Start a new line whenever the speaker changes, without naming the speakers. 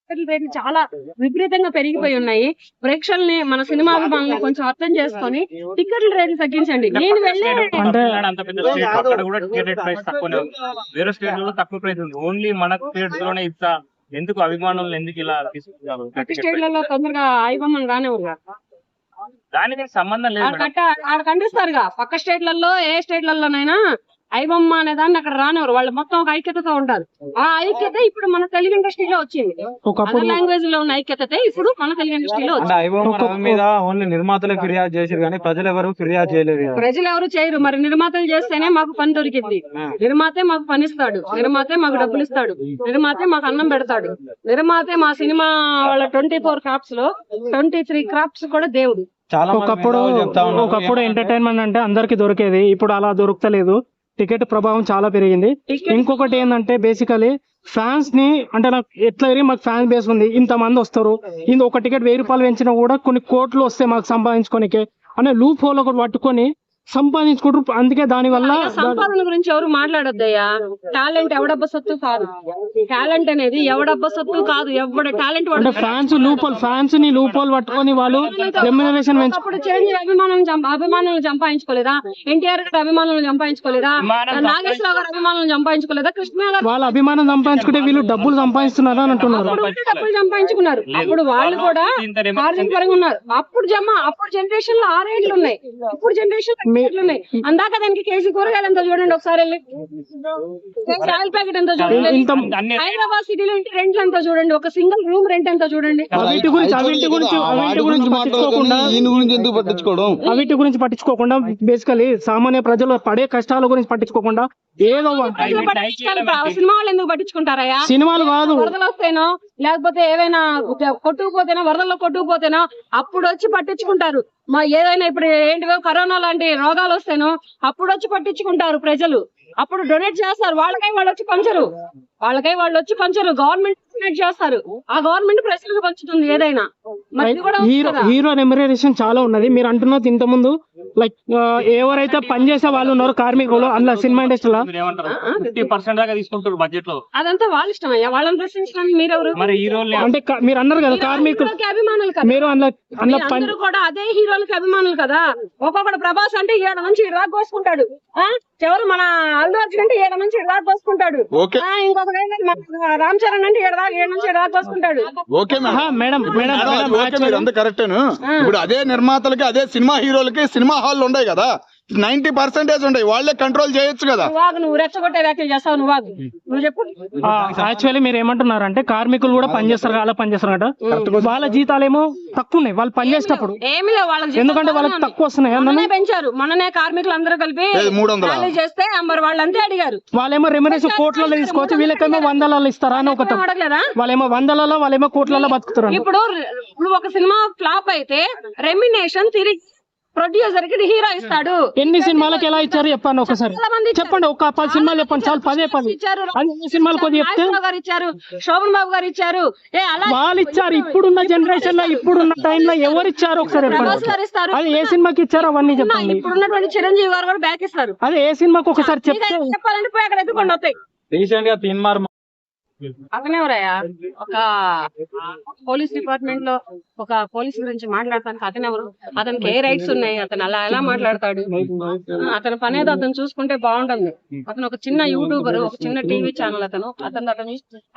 రేట్లు చాలా విపరీతంగా పెరిగిపోయి ఉన్నాయి. ప్రేక్షకుల్ని మన సినిమా అభిమానుల్ని కొంచెం అర్థం చేసుకొని టికెట్ల రేట్లు తగ్గించండి. నేను వెళ్ళే
అంత పెద్ద స్టేట్ అక్కడ కూడా టికెట్ ప్రైస్ తక్కువనే ఉంది. వేరే స్టేట్ లో తక్కువ ప్రైస్ ఉంది. ఓన్లీ మన స్టేట్స్ లోనే ఇంత ఎందుకు అభిమానులు ఎందుకు ఇలా తీసుకుంటారు?
ప్రతి స్టేట్లలో తొందరగా ఐబొమ్మలు రానివ్వరు.
దానికి సంబంధం లేదు.
ఆడ ఖండిస్తారుగా పక్క స్టేట్లలో ఏ స్టేట్లలోనైనా ఐబొమ్మ అనే దాన్ని అక్కడ రానివ్వరు. వాళ్ళు మొత్తం ఒక ఐక్యతతో ఉంటారు. ఆ ఐక్యత ఇప్పుడు మన తెలుగు ఇండస్ట్రీలో వచ్చింది. ఒక లాంగ్వేజ్ లో ఉన్న ఐక్యత ఇప్పుడు మన తెలుగు ఇండస్ట్రీలో వచ్చింది.
మీద ఓన్లీ నిర్మాతలే ఫిర్యాదు చేశారు కానీ ప్రజలు ఎవరు ఫిర్యాదు చేయలేదు.
ప్రజలు ఎవరు చేయరు. మరి నిర్మాతలు చేస్తేనే మాకు పని దొరికింది. నిర్మాతే మాకు పనిస్తాడు, నిర్మాతే మాకు డబ్బులు ఇస్తాడు, నిర్మాతే మాకు అన్నం పెడతాడు, నిర్మాతే మా సినిమా వాళ్ళ 24 క్రాఫ్ట్స్ లో 23 క్రాఫ్ట్స్ కూడా దేవుడు.
చాలా ఒకప్పుడు ఎంటర్టైన్మెంట్ అంటే అందరికి దొరికేది, ఇప్పుడు అలా దొరకలేదు. టికెట్ ప్రభావం చాలా పెరిగింది. ఇంకొకటి ఏంటంటే బేసికలీ ఫ్యాన్స్ ని అంటే నాకు ఎట్లా మాకు ఫ్యాన్ బేస్ ఉంది, ఇంత మంది వస్తారు, ఒక టికెట్ 1000 రూపాయలు పెంచినా కూడా కొన్ని కోట్లు వస్తాయి మాకు సంపాదించుకోనికే అనే లూప్ హోల్ ఒకటి పట్టుకొని సంపాదించుకుంటారు. అందుకే దాని వల్ల
సంపాదన గురించి ఎవరు మాట్లాడొద్దయ్యా. టాలెంట్ ఎవడబ్బ సొత్తు కాదు. టాలెంట్ అనేది ఎవడబ్బ సొత్తు కాదు. ఎవడ టాలెంట్
అంటే ఫ్యాన్స్ ని లూప్ హోల్ పట్టుకొని వాళ్ళు రెమ్యునరేషన్
అప్పుడు చిరంజీవి అభిమానులను సంపాదించుకోలేదా? ఎన్టీఆర్ గారు అభిమానులను సంపాదించుకోలేదా? నాగేశ్వరరావు గారు అభిమానులను సంపాదించుకోలేదా? కృష్ణ గారు
వాళ్ళ అభిమానం సంపాదించుకుంటే వీళ్ళు డబ్బులు సంపాదిస్తున్నారు అని అంటున్నారు.
డబ్బులు సంపాదించుకున్నారు. అప్పుడు వాళ్ళు కూడా ఆర్థిక పరంగా ఉన్నారు. అప్పుడు జనరేషన్ లో 6 ఏళ్ళు ఉన్నాయి. ఇప్పుడు జనరేషన్ ఉన్నాయి. అందాక దానికి కేజీ కూరగాయలు ఎంత చూడండి ఒకసారి వెళ్ళి. ఆయిల్ ప్యాకెట్ ఎంత చూడండి. హైదరాబాద్ సిటీలో ఇంటి రెంట్లు ఎంత చూడండి. ఒక సింగిల్ రూమ్ రెంట్ ఎంత చూడండి.
వీటి గురించి పట్టించుకోకుండా బేసికలీ సామాన్య ప్రజలు పడే కష్టాల గురించి పట్టించుకోకుండా ఏదో
సినిమా వాళ్ళు ఎందుకు పట్టించుకుంటారయ్యా?
సినిమాలు కాదు,
వరదలు వస్తేనో లేకపోతే ఏవైనా కొట్టుకుపోతేనో వరదల్లో కొట్టుకుపోతేనో అప్పుడు వచ్చి పట్టించుకుంటారు. మా ఏదైనా ఇప్పుడు ఏంటివో కరోనా లాంటి రోగాలు వస్తేనో అప్పుడు వచ్చి పట్టించుకుంటారు ప్రజలు. అప్పుడు డొనేట్ చేస్తారు. వాళ్ళకై వాళ్ళు వచ్చి పంచరు. గవర్నమెంట్ డొనేట్ చేస్తారు. ఆ గవర్నమెంట్ ప్రజలకు పంచుతుంది ఏదైనా.
హీరో రెమ్యునరేషన్ చాలా ఉన్నది. మీరు అంటున్నది ఇంత ముందు లైక్ ఎవరైతే పనిచేసే వాళ్ళు ఉన్నారు కార్మికులు అందులో సినిమా ఇండస్ట్రీలో
50% దాకా తీసుకుంటారు బడ్జెట్ లో.
అదంతా వాళ్ళ ఇష్టం అయ్యా. వాళ్ళని ప్రశ్నించడానికి మీరెవరు?
మరి హీరోలు
అంటే మీరు అన్నారు కదా కార్మికులకి
అభిమానులు కదా.
మీరు
అందరూ కూడా అదే హీరోలకి అభిమానులు కదా. ఒక్కొక్కడు ప్రభాస్ అంటే 7 నుంచి 7 దాకా కోసుకుంటాడు. ఎవరు మన అల్లు అర్జున్ అంటే 7 నుంచి 7 దాకా కోసుకుంటాడు. ఇంకొక రామ్ చరణ్ అంటే 7 నుంచి 7 దాకా కోసుకుంటాడు.
ఇప్పుడు అదే నిర్మాతలకి అదే సినిమా హీరోలకి సినిమా హాల్ ఉన్నాయి కదా, 90% ఉన్నాయి. వాళ్ళే కంట్రోల్ చేయొచ్చు కదా.
నువ్వు రెచ్చగొట్టే వ్యాఖ్యలు చేస్తావు. నువ్వు చెప్పు.
యాక్చువల్లీ మీరు ఏమంటున్నారు అంటే కార్మికులు కూడా పనిచేస్తారు, అలా పనిచేస్తారట. వాళ్ళ జీతాలేమో తక్కువ ఉన్నాయి వాళ్ళు పనిచేసేటప్పుడు.
ఏమి లేవు వాళ్ళకి,
ఎందుకంటే వాళ్ళకి తక్కువ వస్తున్నాయి.
పెంచారు. మొన్ననే కార్మికులు అందరూ కలిపి
300
చేస్తే మరి వాళ్ళంతే అడిగారు.
వాళ్ళేమో రెమ్యునరేషన్ కోట్లలో తీసుకోవచ్చు, వీళ్ళకేమో 100లలో ఇస్తారా అని ఒకటి. వాళ్ళేమో 100లలో వాళ్ళేమో కోట్లలో బతుకుతారు.
ఇప్పుడు ఒక సినిమా ఫ్లాప్ అయితే రెమ్యునరేషన్ తిరిగి ప్రొడ్యూసర్ కి హీరో ఇస్తాడు.
ఎన్ని సినిమాలకు ఎలా ఇచ్చారు చెప్పండి ఒకసారి. చెప్పండి, ఒక 10 సినిమాలు చెప్పండి చాలు. 10
ఇచ్చారు.
అన్ని సినిమాలు కొద్దిగా చెప్తే
ఇచ్చారు. శోభన్ బాబు గారు ఇచ్చారు.
వాళ్ళు ఇచ్చారు. ఇప్పుడున్న జనరేషన్ లో ఇప్పుడున్న టైంలో ఎవరు ఇచ్చారు ఒకసారి
ఇస్తారు.
అది ఏ సినిమాకి ఇచ్చారో అవన్నీ చెప్పండి.
ఇప్పుడున్నటువంటి చిరంజీవి గారు కూడా బ్యాక్ ఇస్తారు.
అది ఏ సినిమాకి ఒకసారి
చెప్పాలంటే పోయి అక్కడ ఎత్తుకొని వస్తాయి.
రీసెంట్ గా తీన్మార్
అతనెవరయ్యా? ఒక పోలీస్ డిపార్ట్మెంట్ లో ఒక పోలీస్ గురించి మాట్లాడతానికి అతనెవరు? అతనికి ఏ రైట్స్ ఉన్నాయి? అతను అలా ఎలా మాట్లాడతాడు? అతని పని ఏదో అతను చూసుకుంటే బాగుంటుంది. అతను ఒక చిన్న యూట్యూబర్, ఒక చిన్న టీవీ ఛానల్. అతను